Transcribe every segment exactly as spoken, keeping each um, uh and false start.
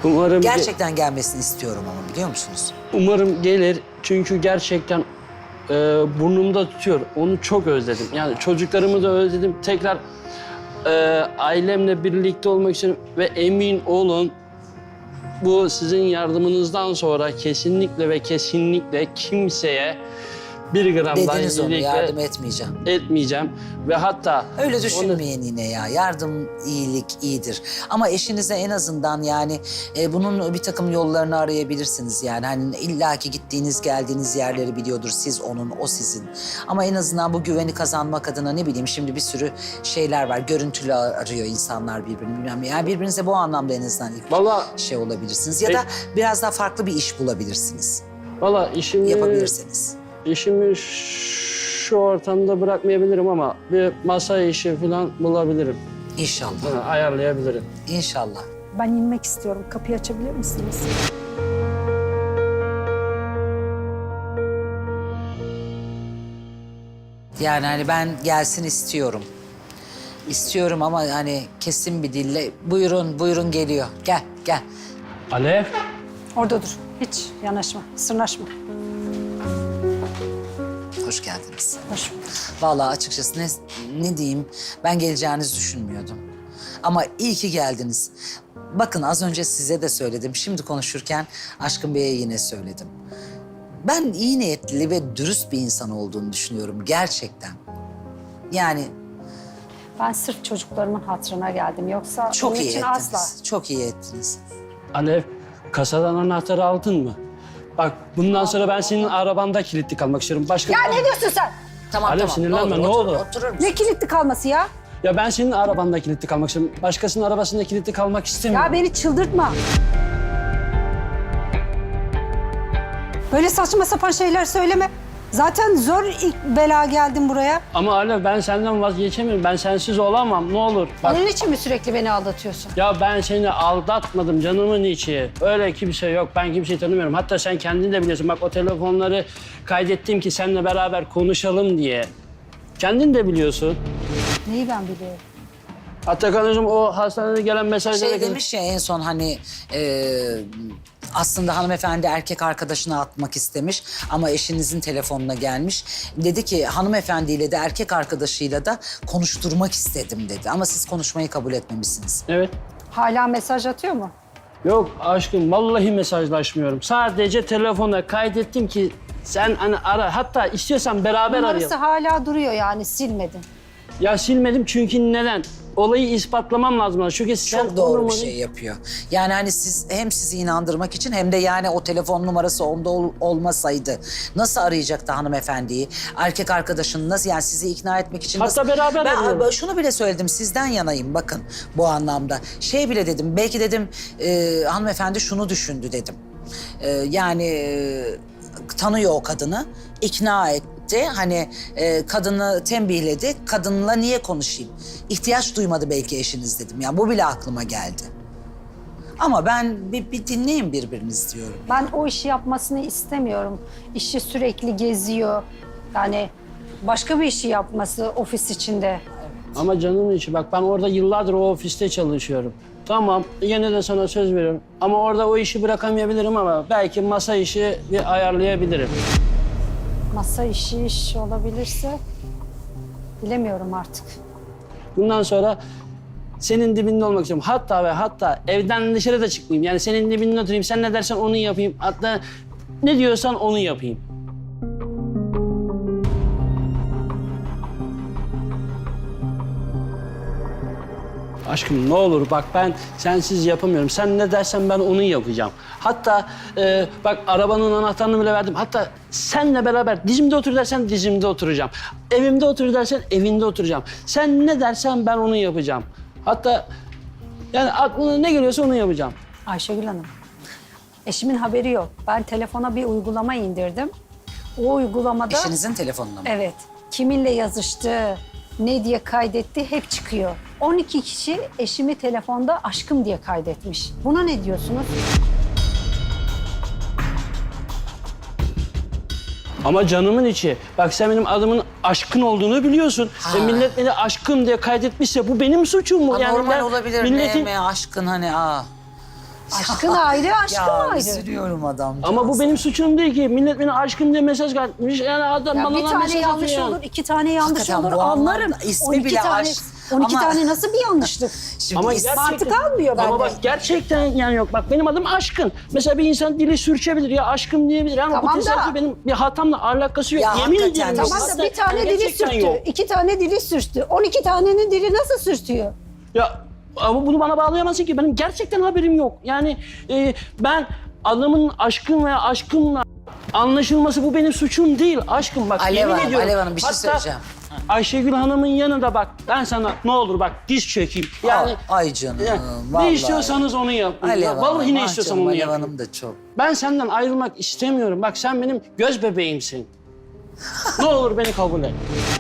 Umarım Gerçekten gelmesini istiyorum ama biliyor musunuz? Umarım gelir çünkü gerçekten e, burnumda tutuyor. Onu çok özledim. Yani çocuklarımı da özledim. Tekrar e, ailemle birlikte olmak için ve emin olun bu sizin yardımınızdan sonra kesinlikle ve kesinlikle kimseye bir gram daha Dediniz onu, iyilikle yardım etmeyeceğim. etmeyeceğim. Ve hatta... Öyle düşünmeyin yine ya. Yardım, iyilik iyidir. Ama eşinize en azından yani e, bunun bir takım yollarını arayabilirsiniz. Yani hani illaki gittiğiniz, geldiğiniz yerleri biliyordur. Siz onun, o sizin. Ama en azından bu güveni kazanmak adına ne bileyim şimdi bir sürü şeyler var. Görüntülü arıyor insanlar birbirini. Bilmem ne. Yani birbirinize bu anlamda en azından ilk Vallahi, şey olabilirsiniz. Ya da e, biraz daha farklı bir iş bulabilirsiniz. Valla işimi... Yapabilirseniz. İşimi şu ortamda bırakmayabilirim ama bir masa işi falan bulabilirim. İnşallah. Yani ayarlayabilirim. İnşallah. Ben inmek istiyorum. Kapıyı açabilir misiniz? Yani hani ben gelsin istiyorum. İstiyorum ama hani kesin bir dille buyurun buyurun geliyor. Gel gel. Alev. Orada dur. Hiç yanaşma, sırnaşma. Hoş geldiniz. Hoş bulduk. Vallahi açıkçası ne, ne diyeyim ben geleceğinizi düşünmüyordum. Ama iyi ki geldiniz. Bakın az önce size de söyledim. Şimdi konuşurken Aşkın Bey'e yine söyledim. Ben iyi niyetli ve dürüst bir insan olduğunu düşünüyorum gerçekten. Yani Ben sırf çocuklarımın hatırına geldim. Yoksa çok onun iyi için ettiniz. asla. Çok iyi ettiniz. Alev, kasadan anahtarı aldın mı? Bak bundan sonra ben senin arabanda kilitli kalmak istiyorum. Başka... Ya ne diyorsun sen? Tamam Alev, tamam. sinirlenme, ne otur, olur. Oturur musun? Ne kilitli kalması ya? Ya ben senin arabanda kilitli kalmak istiyorum. Başkasının arabasında kilitli kalmak istemiyorum. Ya beni çıldırtma. Böyle saçma sapan şeyler söyleme. Zaten zor ilk bela geldim buraya. Ama Alev ben senden vazgeçemiyorum. Ben sensiz olamam. Ne olur. Bak, Onun için mi sürekli beni aldatıyorsun? ya ben seni aldatmadım canımın içi. Öyle kimse yok. Ben kimseyi tanımıyorum. Hatta sen kendin de biliyorsun. Bak o telefonları kaydettim ki seninle beraber konuşalım diye. Kendin de biliyorsun. Neyi ben biliyorum? Hatta kardeşim o hastanede gelen mesajlara... Şey demiş ya en son hani e, aslında hanımefendi erkek arkadaşına atmak istemiş ama eşinizin telefonuna gelmiş. Dedi ki hanımefendiyle de erkek arkadaşıyla da konuşturmak istedim dedi. Ama siz konuşmayı kabul etmemişsiniz. Evet. Hala mesaj atıyor mu? Yok aşkım vallahi mesajlaşmıyorum. Sadece telefona kaydettim ki sen hani ara. Hatta istiyorsan beraber Numarası arayalım. hala duruyor yani silmedin. Ya silmedim çünkü neden? Olayı ispatlamam lazım. Çünkü sen Çok doğru o bir numarayı- şey yapıyor. Yani hani siz hem sizi inandırmak için hem de yani o telefon numarası onda ol- olmasaydı nasıl arayacaktı hanımefendiyi? Erkek arkadaşını nasıl yani sizi ikna etmek için Hatta nasıl? beraber Ben arayalım. şunu bile söyledim sizden yanayım bakın bu anlamda. Şey bile dedim belki dedim e, hanımefendi şunu düşündü dedim. E, yani e, tanıyor o kadını, ikna etti. Hani e, kadını tembihledi. Kadınla niye konuşayım? İhtiyaç duymadı belki eşiniz dedim. Yani bu bile aklıma geldi. Ama ben bir, bir dinleyin birbirinizi diyorum. Ben o işi yapmasını istemiyorum. İşi sürekli geziyor. Yani başka bir işi yapması ofis içinde. Ama canımın içi bak ben orada yıllardır o ofiste çalışıyorum. Tamam yine de sana söz veriyorum. Ama orada o işi bırakamayabilirim ama belki masa işi bir ayarlayabilirim. Masa işi iş olabilirse bilemiyorum artık. Bundan sonra senin dibinde olmak istiyorum. Hatta ve hatta evden dışarı da çıkmayayım. Yani senin dibinde oturayım. Sen ne dersen onu yapayım. Hatta ne diyorsan onu yapayım. Aşkım ne olur bak ben sensiz yapamıyorum. Sen ne dersen ben onu yapacağım. Hatta e, bak arabanın anahtarını bile verdim. Hatta senle beraber dizimde otur dersen dizimde oturacağım. Evimde otur dersen evinde oturacağım. Sen ne dersen ben onu yapacağım. Hatta yani aklına ne geliyorsa onu yapacağım. Ayşegül Hanım, eşimin haberi yok. Ben telefona bir uygulama indirdim. O uygulamada... Eşinizin telefonuna mı? Evet. Kiminle yazıştı, ne diye kaydetti hep çıkıyor. on iki kişi eşimi telefonda aşkım diye kaydetmiş. Buna ne diyorsunuz? Ama canımın içi. Bak sen benim adımın Aşkın olduğunu biliyorsun. Ha. E, millet beni Aşkın diye kaydetmişse bu benim suçum mu? Ha, normal ben olabilir. milletin- Ne mi aşkın hani aa. Aşkın ayrı, aşkım Ya ayrı. üzülüyorum adam. Ama bu benim suçum değil ki. Millet beni aşkım diye mesaj atmış. Yani adam Ya bana bir lan tane mesaj yanlış atıyor. olur, iki tane yanlış Hakikaten olur bu anlarım. anlamda ismi on iki bile tane, aşk. on iki Ama- tane nasıl bir yanlışlık? Şimdi Ama is- gerçekten, Mantık almıyor Ama bende. bak gerçekten yani yok. Bak benim adım Aşkın. Mesela bir insan dili sürçebilir ya aşkım diyebilir. Yani Tamam bu da- tesadüf benim bir hatamla alakası yok. Ya Yemin hakikaten ediyorum. de- yok. Tamam da Hatta bir tane yani dili gerçekten sürtü, yok. iki tane dili sürtü. On iki tanenin dili nasıl sürtüyor? Ya ama bunu bana bağlayamazsın ki. Benim gerçekten haberim yok. Yani e, ben adamın aşkın veya aşkınla anlaşılması bu benim suçum değil. Aşkım bak Alev yemin Hanım, ediyorum. Alev Hanım bir şey Hatta söyleyeceğim. Ayşegül Hanım'ın yanında bak ben sana ne olur bak diz çökeyim. Yani Aa, ay canım, yani vallahi. ne istiyorsanız onu yapın. Alev Ya, Hanım, vallahi ne ah istiyorsan canım, onu Alev yapın. Hanım da çok. Ben senden ayrılmak istemiyorum. Bak sen benim göz bebeğimsin. Ne olur beni kabul et.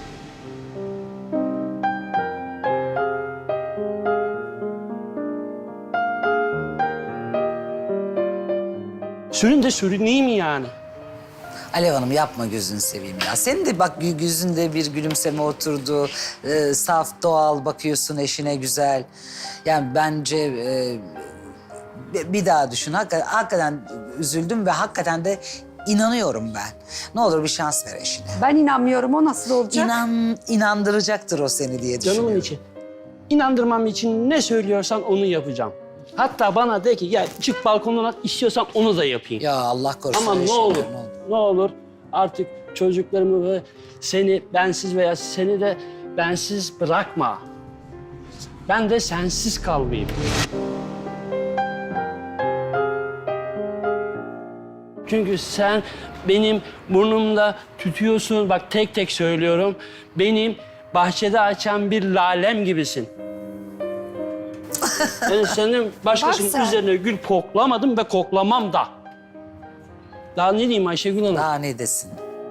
Sürün de sürüneyim yani. Alev Hanım yapma gözünü seveyim ya. Senin de bak gü- yüzünde bir gülümseme oturdu. Ee, saf, doğal bakıyorsun eşine güzel. Yani bence e, bi- bir daha düşün. Hakikaten, hakikaten üzüldüm ve hakikaten de inanıyorum ben. Ne olur bir şans ver eşine. Ben inanmıyorum, o nasıl olacak? İnan, inandıracaktır o seni diye düşünüyorum. Canımın içi. İnandırmam için ne söylüyorsan onu yapacağım. Hatta bana de ki gel çık balkondan at istiyorsan onu da yapayım. Ya Allah korusun. Ama ne eşine, olur, ne olur. ne olur artık çocuklarımı ve seni bensiz veya seni de bensiz bırakma. Ben de sensiz kalmayayım. Çünkü sen benim burnumda tütüyorsun. Bak tek tek söylüyorum. Benim bahçede açan bir lalem gibisin. Yani senin başkasının Bak sen. üzerine gül koklamadım ve koklamam da. Daha ne diyeyim Ayşegül Hanım? Daha ne desin?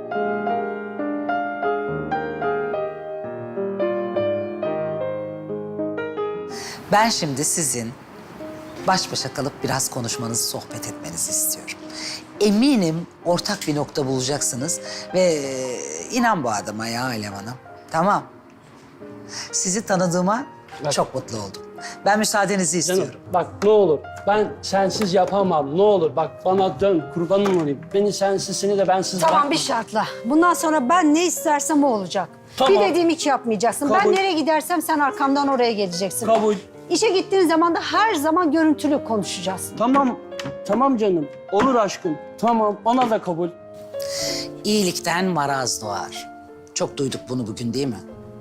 Ben şimdi sizin baş başa kalıp biraz konuşmanızı, sohbet etmenizi istiyorum. Eminim ortak bir nokta bulacaksınız ve e, inan bu adama ya Alev Hanım. Tamam. Sizi tanıdığıma Bak. çok mutlu oldum. Ben müsaadenizi Canım istiyorum. bak ne olur ben sensiz yapamam ne olur bak bana dön kurbanım olayım. Beni sensiz seni de bensiz Tamam bırakma. bir şartla. Bundan sonra ben ne istersem o olacak. Tamam. Bir dediğimi hiç yapmayacaksın. Kabul. Ben nereye gidersem sen arkamdan oraya geleceksin. Kabul. İşe gittiğin zaman da her zaman görüntülü konuşacağız. Tamam tamam canım olur aşkım tamam ona da kabul. İyilikten maraz doğar. Çok duyduk bunu bugün değil mi?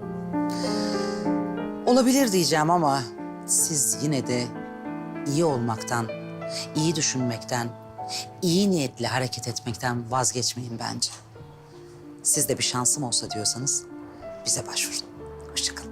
Olabilir diyeceğim ama siz yine de iyi olmaktan, iyi düşünmekten, iyi niyetli hareket etmekten vazgeçmeyin bence. Siz de bir şansım olsa diyorsanız bize başvurun. Hoşça kalın.